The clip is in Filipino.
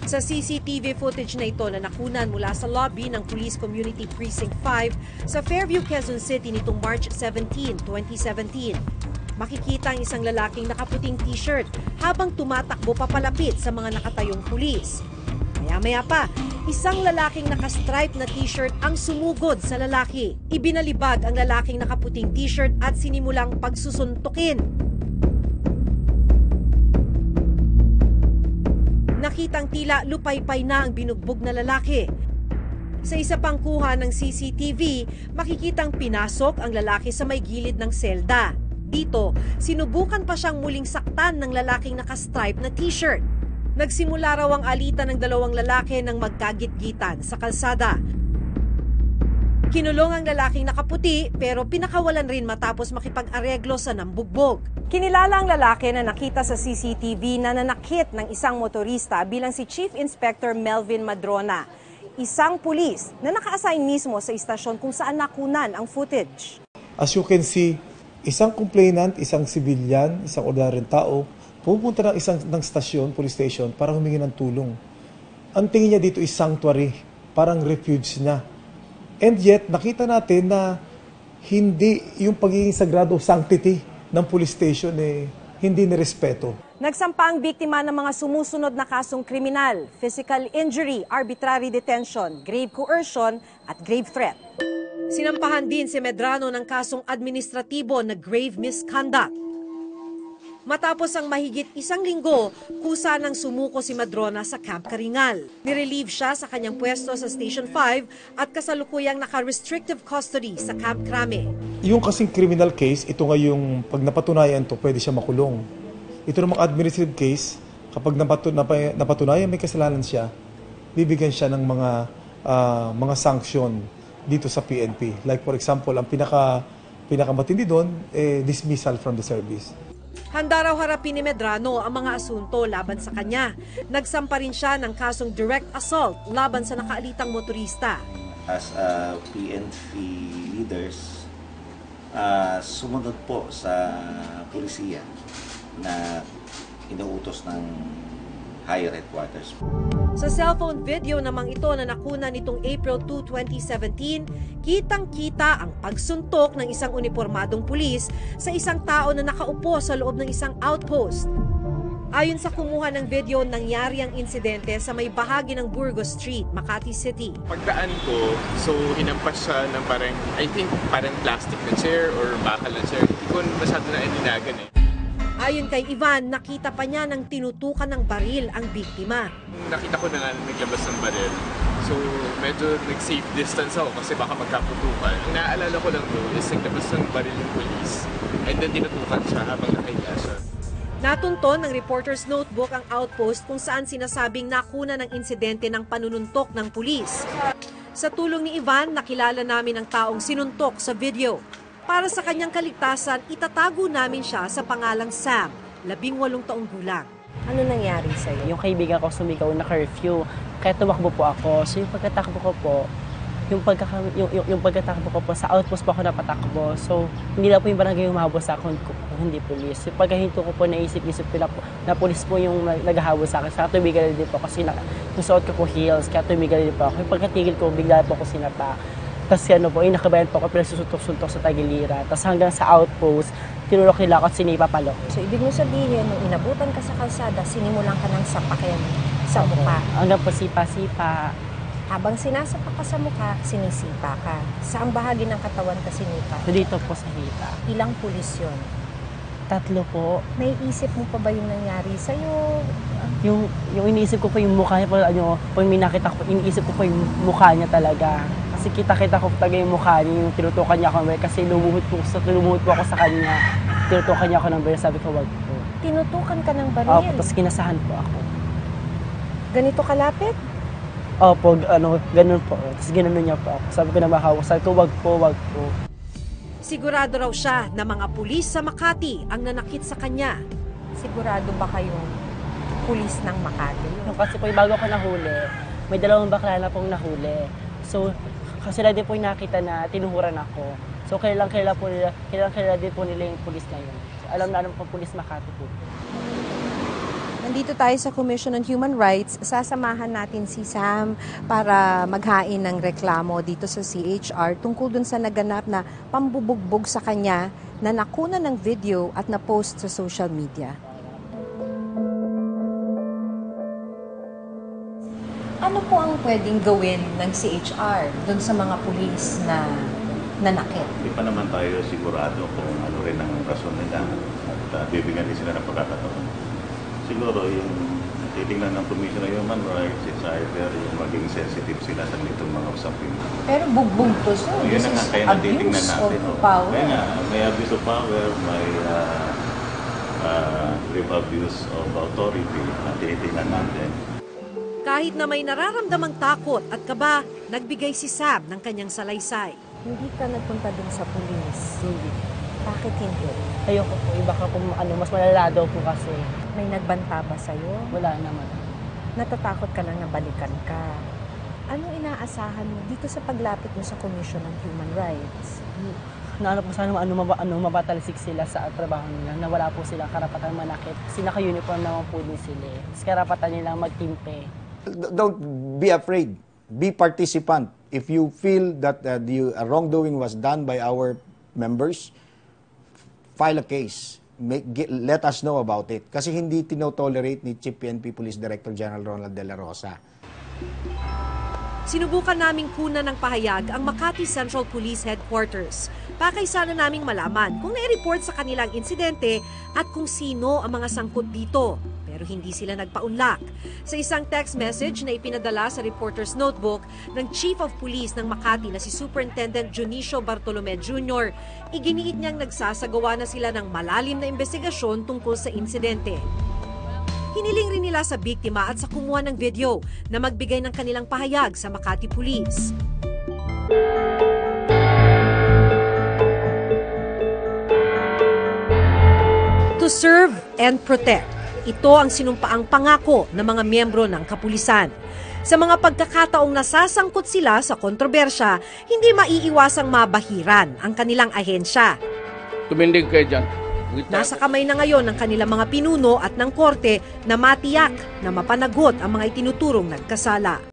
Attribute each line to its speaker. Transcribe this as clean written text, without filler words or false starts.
Speaker 1: Sa CCTV footage na ito na nakunan mula sa lobby ng Police Community Precinct 5 sa Fairview, Quezon City nitong March 17, 2017. Makikita ang isang lalaking nakaputing t-shirt habang tumatakbo papalapit sa mga nakatayong pulis. Maya-maya pa, isang lalaking nakastripe na t-shirt ang sumugod sa lalaki. Ibinalibag ang lalaking nakaputing t-shirt at sinimulang pagsusuntukin. Nakitang tila lupaypay na ang binugbog na lalaki. Sa isa pang kuha ng CCTV, makikitang pinasok ang lalaki sa may gilid ng selda. Dito, sinubukan pa siyang muling saktan ng lalaking nakastripe na t-shirt. Nagsimula raw ang alitan ng dalawang lalaki nang magkagit-gitan sa kalsada. Kinulong ang lalaking nakaputi pero pinakawalan rin matapos makipag-areglo sa nambugbog. Kinilala ang lalaki na nakita sa CCTV na nanakit ng isang motorista bilang si Chief Inspector Melvin Madrona, isang pulis na naka-assign mismo sa istasyon kung saan nakunan ang footage.
Speaker 2: As you can see, isang complainant, isang civilian, isang ordinaryong tao, pupunta ng stasyon, police station, para humingi ng tulong. Ang tingin niya dito is sanctuary, parang refuge niya. And yet, nakita natin na hindi yung pagiging sagrado sanctity ng police station hindi nirespeto.
Speaker 1: Nagsampa ang biktima ng mga sumusunod na kasong kriminal, physical injury, arbitrary detention, grave coercion at grave threat. Sinampahan din si Medrano ng kasong administratibo na grave misconduct. Matapos ang mahigit isang linggo, kusa nang sumuko si Madrona sa Camp Karingal. Nirelieve siya sa kanyang pwesto sa Station 5 at kasalukuyang naka-restrictive custody sa Camp Crame.
Speaker 2: Yung kasing criminal case, ito nga yung pag napatunayan to, pwede siya makulong. Ito namang administrative case, kapag napatunayan may kasalanan siya, bibigyan siya ng mga sanction dito sa PNP. Like for example, ang pinakamatindi doon, dismissal from the service.
Speaker 1: Handa raw harapin ni Medrano ang mga asunto laban sa kanya. Nagsampa rin siya ng kasong direct assault laban sa nakaalitang motorista.
Speaker 3: As PNP leaders, sumunod po sa pulisiya na inuutos ng higher headquarters.
Speaker 1: Sa cellphone video namang ito na nakuna nitong April 2, 2017, kitang-kita ang pagsuntok ng isang unipormadong pulis sa isang tao na nakaupo sa loob ng isang outpost. Ayon sa kumuha ng video, nangyari ang insidente sa may bahagi ng Burgos Street, Makati City.
Speaker 4: Pagdaan ko, so hinampas siya ng parang plastic na chair or bakal na chair. Hindi ko masyado na ininagan
Speaker 1: Ayon kay Ivan, nakita pa niya nang tinutukan ng baril ang biktima.
Speaker 4: Nakita ko na nga naglabas ng baril. So medyo nag-safe distance ako kasi baka magkaputukan. Ang naaalala ko lang doon is naglabas ng baril yung police and then tinutukan siya habang nakahiga siya.
Speaker 1: Natunton ng reporter's notebook ang outpost kung saan sinasabing nakuna ng insidente ng panununtok ng pulis. Sa tulong ni Ivan, nakilala namin ang taong sinuntok sa video. Para sa kanyang kaligtasan, itatago namin siya sa pangalang Sam, 18 taong gulang.
Speaker 5: Ano nangyari sa'yo? Yung kaibigan ko sumigaw na curfew, kaya tumakbo po ako. So yung pagkatakbo ko po, yung pagkatakbo ko po, sa outpost po ako napatakbo. So hindi na po yung barangay humahabol sa akin kung hindi pulis. Yung pagkahinto ko po, naisip-isip ko na pulis po yung naghahabol sa akin. Kaya tumigal din po kasi yung suot ko po heels, kaya tumigal din po ako. Yung pagkatigil ko, bigla po ako sinapa. Tapos inakabayan po ako, pinagsusuntok-suntok sa tagilira. Tapos hanggang sa outpost, tinulok nila ako at sinipa palo.
Speaker 6: So ibig mo sabihin, nung inabutan ka sa kalsada, sinimulan ka ng sapakin sa mukha.
Speaker 5: Hanggang po sipa-sipa.
Speaker 6: Habang sinasapak ka sa mukha, sinisipa ka. Saang bahagi ng katawan ka sinipa?
Speaker 5: Dito po sa hita.
Speaker 6: Ilang pulis yun?
Speaker 5: 3 po.
Speaker 6: Naiisip mo pa ba yung nangyari sa'yo?
Speaker 5: Yung iniisip ko po yung mukha niya, pag may nakita ko, iniisip ko po yung mukha niya talaga. Kasi kita-kita ko talaga yung mukha niya, yung tinutukan niya ako ng baril. Kasi lumuhod po ako sa kanya. Tinutukan niya ako ng baril, sabi ko wag po.
Speaker 6: Tinutukan ka ng baril?
Speaker 5: Opo, tapos kinasahan po ako.
Speaker 6: Ganito kalapit?
Speaker 5: Opo, ganun po. Tapos ginanon niya po ako. Sabi ko na mahawak, sabi ko wag po.
Speaker 1: Sigurado raw siya na mga pulis sa Makati ang nanakit sa kanya.
Speaker 6: Sigurado ba kayong pulis ng Makati?
Speaker 5: Kasi po bago ako nahuli, may 2 bakla na pong nahuli. So, kasi din po yung nakita na tinuhuran ako. So, kailang din po nila yung pulis na yun. So, alam po pulis Makati po.
Speaker 6: Nandito tayo sa Commission on Human Rights. Sasamahan natin si Sam para maghain ng reklamo dito sa CHR tungkol dun sa naganap na pambubugbog sa kanya na nakuna ng video at na-post sa social media. Ano po ang pwedeng gawin ng CHR dun sa mga pulis na nanakit?
Speaker 7: Hindi pa naman tayo sigurado kung ano rin ang rason nila at bibigyan din sila ng pagkakataon. Siguro yung titingnan ng Commission on Human Rights, it's either yung maging sensitive sila sa nitong mga usapin.
Speaker 6: Pero bugbog to, sir.
Speaker 7: Yun
Speaker 6: This
Speaker 7: na nga,
Speaker 6: is
Speaker 7: kaya natitingnan
Speaker 6: abuse
Speaker 7: natin.
Speaker 6: of power.
Speaker 7: Kaya nga, may abuse of power, may grave abuse of authority na tinitingnan natin.
Speaker 1: Kahit na may nararamdamang takot at kaba, nagbigay si Sam ng kanyang salaysay.
Speaker 6: Hindi ka nagpunta dun sa pulis.
Speaker 5: Hindi.
Speaker 6: Bakit hindi?
Speaker 5: Ayoko po, iba ka po, mas malala daw po kasi.
Speaker 6: May nagbanta ba sa'yo?
Speaker 5: Wala naman.
Speaker 6: Natatakot ka lang na balikan ka. Anong inaasahan mo dito sa paglapit mo sa Commission on Human Rights?
Speaker 5: Naano po sana mabatalisik sila sa trabaho nila na wala po silang karapatan manakit. Kasi naka-uniform naman po din sila. Kasi karapatan nilang magtimpe.
Speaker 8: Don't be afraid. Be participant. If you feel that the wrongdoing was done by our members, file a case. Let us know about it. Kasi hindi tinotolerate ni Chief PNP Police Director General Ronald De La Rosa.
Speaker 1: Sinubukan naming kunan ng pahayag ang Makati Central Police Headquarters. Pakay sana naming malaman kung nai-report sa kanilang insidente at kung sino ang mga sangkot dito. Pero hindi sila nagpaunlak. Sa isang text message na ipinadala sa reporter's notebook ng Chief of Police ng Makati na si Superintendent Junicio Bartolome Jr., iginiit niyang nagsasagawa na sila ng malalim na investigasyon tungkol sa insidente. Hiniling rin nila sa biktima at sa kumuha ng video na magbigay ng kanilang pahayag sa Makati Police. To serve and protect. Ito ang sinumpaang pangako ng mga miyembro ng kapulisan. Sa mga pagkakataong nasasangkot sila sa kontrobersya, hindi maiiwasang mabahiran ang kanilang ahensya.
Speaker 9: Tumindig kayo dyan.
Speaker 1: Nasa kamay na ngayon ng kanilang mga pinuno at ng korte na matiyak na mapanagot ang mga itinuturong nagkasala.